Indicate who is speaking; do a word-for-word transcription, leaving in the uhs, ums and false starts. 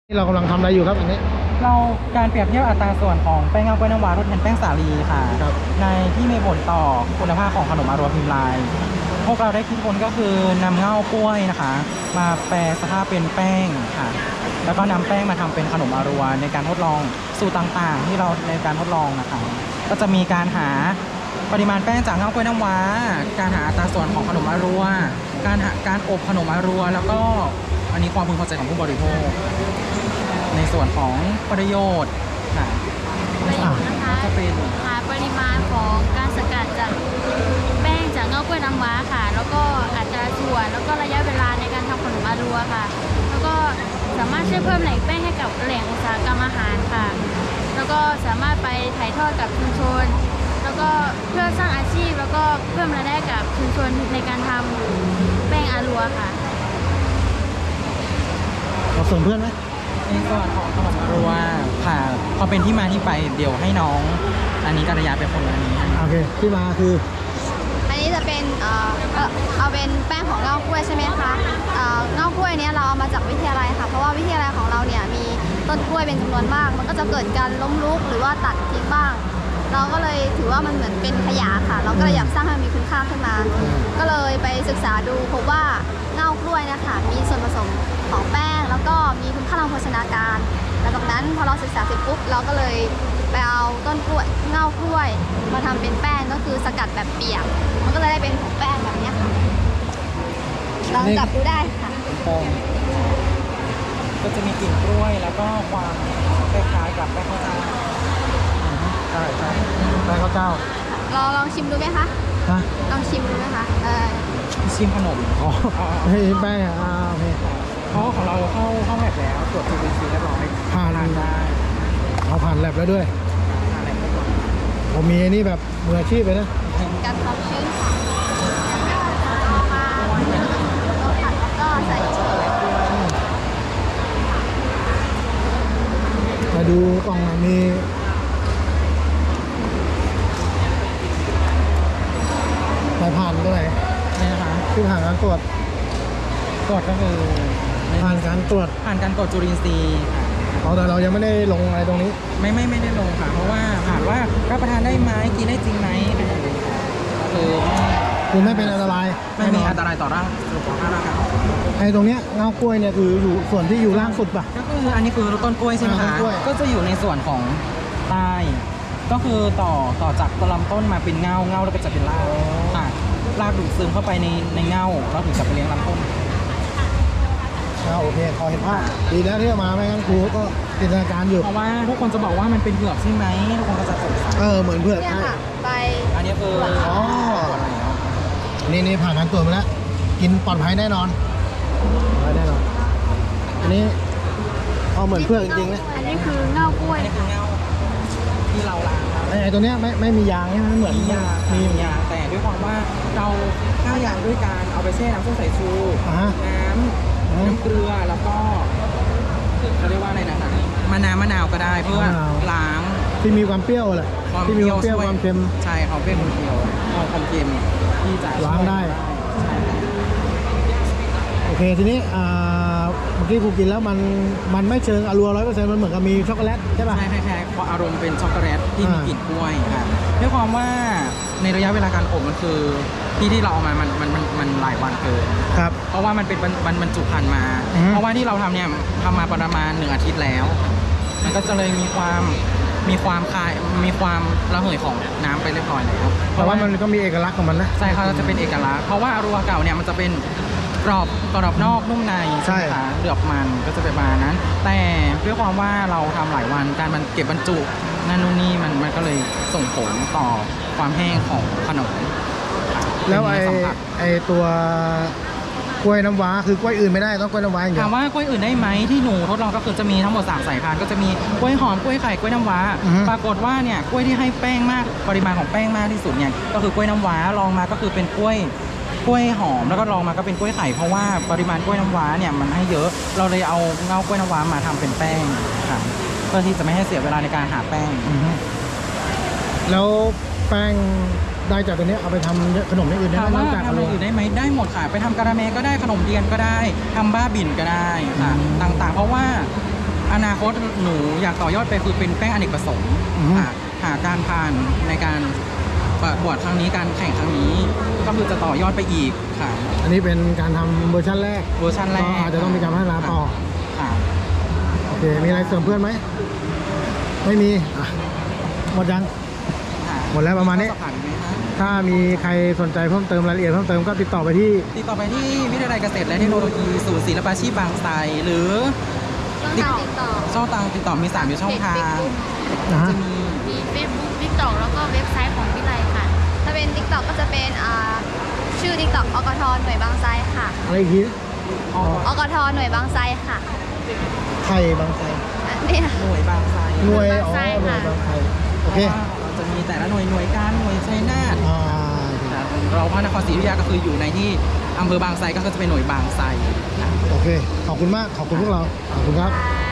Speaker 1: ที่เรากำลังทำอะไรอยู่ครับอันนี้
Speaker 2: เราการเปรียบเทียบอัตราส่วนของแป้งเงากล้วยน้ำว้าทดแทนแป้งสาลีค่ะในที่มีผลต่อคุณภาพของขนมอารัวพิมพ์ลายพวกเราได้คิดค้นก็คือนำเง่ากล้วยนะคะมาแปรสภาพเป็นแป้งค่ะแล้วก็นำแป้งมาทำเป็นขนมอารัวในการทดลองสูตรต่างๆที่เราในการทดลองนะคะก็จะมีการหาปริมาณแป้งจากเง่ากล้วยน้ำว้าการหาอัตราส่วนของขนมอารัวการหาการอบขนมอารัวแล้วก็อันนี้ความพึงพอใจของผู้บริโภคในส่วนของประโยชน์ค่ะ
Speaker 3: ประโยชน์นะคะ
Speaker 2: จะเป็น
Speaker 3: หาปริมาณของการสกัดจากแป้งจากเงากล้วยน้ำว้าค่ะ แล้วก็อัตราส่วนแล้วก็ระยะเวลาในการทำขนมอารัวค่ะ แล้วก็สามารถช่วยเพิ่มแหล่งแป้งให้กับแหล่งอุตสาหกรรมอาหารค่ะ แล้วก็สามารถไปถ่ายทอดกับชุมชน แล้วก็เพื่อสร้างอาชีพแล้วก็เพิ่มรายได้กับชุมชนในการทำแป้งอารัวค่ะ
Speaker 1: เราส่งเพื่อนไหม
Speaker 2: ในส่วนของขนมอารัวค่ะพอเป็นที่มาที่ไปเดี๋ยวให้น้องอันนี้กัลยาเป็นคนอันนี้ให้
Speaker 1: โอเคที่มาคือ
Speaker 4: อันนี้จะเป็นเอ่อเอ่อเอาเป็นแป้งของเง่ากล้วยใช่ไหมคะเอ่อเง่ากล้วยเนี้ยเราเอามาจากวิทยาลัยค่ะเพราะว่าวิทยาลัยของเราเนี่ยมีต้นกล้วยเป็นจำนวนมาก มันก็จะเกิดการล้มลุกหรือว่าตัดทิ้งบ้าง เราก็เลยถือว่ามันเหมือนเป็นขยะค่ะ เราก็เลยอยากสร้างให้มันมีคุณค่าขึ้นมา ก็เลยไปศึกษาดูพบว่าเง่ากล้วยนะคะมีส่วนผสมของแป้ง แล้วก็มีคุณค่าทางโภชนาการหลังจากนั้นพอเราศึกษาเสร็จปุ๊บเราก็เลยไปเอาต้นกล้วยเง่ากล้วยมาทำเป็นแป้งก็คือสกัดแบบเปียก มันก็เลยได้เป็นผงแป้งแบบนี้ค่ะลองจับดูได้ค่ะ
Speaker 2: แป้งก็จะมีกลิ่นกล้วยแล้วก็ความคล้ายๆกับแป้งข้าวเจ้า
Speaker 1: ใช่ใช่แป้งข้าวเจ้า
Speaker 4: ลองลองชิมดูไหมคะ
Speaker 1: ฮะ
Speaker 4: ลองชิมดูไหมคะเออ
Speaker 2: ชิมขนม
Speaker 1: อ๋อเฮ้ยแป้งอ่ะอ่าโอเค
Speaker 2: เพราะของเราเข้าเข้าแลบแล้วตรวจ จี พี ซี เรียบร้อย
Speaker 1: ผ่าน
Speaker 2: ทานได้
Speaker 1: เอาผ่านแลบแล้วด้วย
Speaker 2: ทานอะไรได้ก่อน
Speaker 1: ผมมีอันนี้แบบมืออาชีพเลยนะ
Speaker 4: กันความชื้นค่ะเอามาเราผัดแล้วก็ใส่
Speaker 1: มาดูกล่องหน่อยมีสายผ่านตัวไหน
Speaker 2: นี่นะคะ
Speaker 1: ที่ผ่านการตรวจ
Speaker 2: ตรวจก็คือ
Speaker 1: ผ่านการตรวจ
Speaker 2: ผ่านการตรวจจุลินทรีย์ค่ะ
Speaker 1: เอาแต่เรายังไม่ได้ลงอะไรตรงนี้
Speaker 2: ไม่ไม่ไม่ได้ลงค่ะ เพราะว่าผ่านว่ารับประทานได้ไหมกินได้จริงไหมคือ
Speaker 1: คือไม่เป็นอันตราย
Speaker 2: ไม่มี
Speaker 1: แน่นน
Speaker 2: อันตรายต่อร่างสุขภาพร่างกาย
Speaker 1: ไอ้ตรงเนี้ยเงากล้วยเนี่ยคืออยู่ส่วนที่อยู่ล่างสุดป่ะ
Speaker 2: ก็คืออันนี้คือต้นกล้วยใช่ไหม
Speaker 1: อ่าต้
Speaker 2: คะ
Speaker 1: นกล้วย
Speaker 2: ก็จะอยู่ในส่วนของใต้ก็คือต่อต่อจากลำต้นมาเป็นเงาเงาแล้วก็จะเป็นรากค่ะรากดูดซึมเข้าไปในในเงาแล้วถึงจะไปเลี้ยงลำต้น
Speaker 1: อ่าโอเคพอเห็นภาพดีแล้วที่เอามาไม่งั้นครูก็จินตนาการอยู่
Speaker 2: เพราะว่าทุกคนจะบอกว่ามันเป็นเผือกใช่ไหมทุกคนก็จะสงสัย
Speaker 1: เออเหมือนเพื่อน
Speaker 4: เนี่ย
Speaker 1: ใช่
Speaker 4: ค่ะใบ
Speaker 2: อันนี้คือ
Speaker 1: อ๋อ นี่นี่ผ่านการตรวจมาแล้ว กินปลอดภัยแน่นอนปลอดภัยแน่นอน อันนี้เอาเหมือนเพื่อนจริงๆนะ
Speaker 4: อันนี้คือเง่ากล้วย
Speaker 2: อันนี้คือเงาที่เราล้างครับ
Speaker 1: ไอ้ไอ้ตัวเนี้ยไม่ไม่มียางใช่ไหมมันเหมือน
Speaker 2: มียา
Speaker 1: มี
Speaker 2: มียาแต่ด้วยความว่าเราฆ่ายางด้วยการเอาไปแช่น้ำส้มสายชู
Speaker 1: อ่าฮะ
Speaker 2: น้ำน้ำเกลือแล้วก็เขาเรียกว่าอะไรนะมะนาวมะนาวก็ได้เพื่อล้าง
Speaker 1: ที่มีความเปรี้ยวแหละ
Speaker 2: ความ
Speaker 1: ที่มีความเปรี้ยว
Speaker 2: ช่
Speaker 1: ความเค็ม
Speaker 2: ใช่เขาเป็นคนเดียวเอาความเค็มที่จะ
Speaker 1: ล้างได้
Speaker 2: ใช่
Speaker 1: โอเคทีนี้อ่าเมื่อกี้ครูกินแล้วมันมันไม่เชิงอรัวร้อยเปอร์เซ็นต์มันเหมือนกับมีช็อกโกแลตใช่ป่ะ
Speaker 2: ใช่คล้ายๆเพราะอารมณ์เป็นช็อกโกแลตที่มี
Speaker 1: อ่าก
Speaker 2: ลิ่นกล้วยค่ะด้วยความว่าในระยะเวลาการอบมันคือที่ที่เราเอามามันมันมันมันหลายวันเกิน
Speaker 1: ครับ
Speaker 2: เพราะว่ามันเป็นบรรบรรบรรจุภัณฑ์มา
Speaker 1: อือฮึ
Speaker 2: เพราะว่าที่เราทำเนี่ยทำมาประมาณหนึ่งอาทิตย์แล้ว มันก็จะเลยมีความมีความคายมีความระเหยของน้ำไปเรียบร้อยแล้ว
Speaker 1: เพราะว่ามันก็มีเอกลักษณ์ของมันนะ
Speaker 2: ใช่ครับจะเป็นเอกลักษณ์เพราะว่าอารัวเก่าเนี่ยมันจะเป็นกรอบกรอบนอกนุ่มใน
Speaker 1: ใช่
Speaker 2: ไหมคะเหลือบมันก็จะเป็นประมาณนั้น แต่ด้วยความว่าเราทำหลายวันการมันเก็บบรรจุนั่นนู่นนี่มันมันก็เลยส่งผลต่อความแห้งของขนมค่ะ
Speaker 1: แล้วไอ้
Speaker 2: เป็นเนื้อสัมผัส
Speaker 1: ไอ้ตัวกล้วยน้ำว้าคือกล้วยอื่นไม่ได้ต้องกล้วยน้ำว้าอย่างเดีย
Speaker 2: ถาม
Speaker 1: ว
Speaker 2: ว่ากล้วยอื่นได้ไหมที่หนูทดลองก็คือจะมีทั้งหมดสามสายพันธุ์ก็จะมีกล้วยหอมกล้วยไข่กล้วยน้ำว้า
Speaker 1: อือฮึ
Speaker 2: ปรากฏว่าเนี่ยกล้วยที่ให้แป้งมากปริมาณของแป้งมากที่สุดเนี่ยก็คือกล้วยน้ำว้าลองมาก็คือเป็นกล้วยกล้วยหอมแล้วก็ลองมาก็เป็นกล้วยไข่เพราะว่าปริมาณกล้วยน้ำว้าเนี่ยมันให้เยอะเราเลยเอาเงากล้วยน้ำว้ามาทำเป็นแป้งค่ะเพื่อที่จะไม่ให้เสียเวลาในการหาแป้ง
Speaker 1: อือฮึแล้วแป้งได้จากตัวเนี้ยเอาไปทำขนมอย่างอื่นได้
Speaker 2: ถาม
Speaker 1: ไหมน
Speaker 2: ว่า
Speaker 1: อกจากอ
Speaker 2: ทำ
Speaker 1: รั
Speaker 2: อะ
Speaker 1: ว
Speaker 2: ไรอื่นได้ไหมได้หมดค่ะไปทำการาเมก็ได้ขนมเทียนก็ได้ทำบ้าบิ่นก็ได้ค่ะ
Speaker 1: อืม
Speaker 2: ต่างๆ เพราะว่าอนาคตหนูอยากต่อยอดไปคือเป็นแป้งอเนกประสงค์
Speaker 1: อือฮึ
Speaker 2: หาหาการผ่านในการประกวดครั้งนี้การแข่งครั้งนี้ ก็คือจะต่อยอดไปอีกค่ะ
Speaker 1: อันนี้เป็นการทำเวอร์ชันแรก
Speaker 2: เวอร์ชันแร
Speaker 1: ก็
Speaker 2: ก
Speaker 1: อาจจะต้องมีการพัฒนาต่อ
Speaker 2: ค่ะ
Speaker 1: โอเค มีอะไรเสริมเพื่อนไหม ไม่มีอ่ะหมดยัง
Speaker 2: ค่ะ
Speaker 1: หมดแล้วประมาณนี้
Speaker 2: ข้อสอบผ่านไหมคะ
Speaker 1: ถ้ามีใครสนใจเพิ่มเติมรายละเอียดเพิ่มเติมก็ติดต่อไปที่
Speaker 2: ติดต่อไปที่วิทยาลัยเกษตรและเทคโนโลยีศูนย์ศิลปาชีพบางไทรหรือ
Speaker 4: ช่องทางติดต่อ
Speaker 2: ช่องทางติดต่อมีสามอยู่ช่องทาง
Speaker 1: นะฮะ
Speaker 2: จะมี
Speaker 3: มี Facebook TikTok แล้วก็เว็บไซต์ของวิไลค่ะ
Speaker 4: ถ้าเป็น TikTok ก็จะเป็นอ่าชื่อ TikTok อกทหน่วยบางไทรค่ะ
Speaker 1: อะไรอีกที
Speaker 2: อ๋อ
Speaker 4: อกทหน่วยบางไทรค่ะ
Speaker 1: ไทยบางไทร
Speaker 4: อันเนี่ย
Speaker 2: หน่วยบางไทร
Speaker 1: หน่วย
Speaker 3: บาง
Speaker 1: อ๋อ
Speaker 3: ไทร
Speaker 1: หน่วย
Speaker 3: ค่ะ
Speaker 1: บางไทรโอเค
Speaker 2: เราจะมีแต่ละหน่วยหน่วยการหน่วยชัยนาท
Speaker 1: อ่า
Speaker 2: เราพระนครศรีอยุธยาก็คืออยู่ในที่อำเภอบางไทรก็คือจะเป็นหน่วยบางไทรค่ะ
Speaker 1: โอเค ขอบคุณมาก ขอบคุณพวกเรา ขอบคุณครับ
Speaker 3: ค่ะ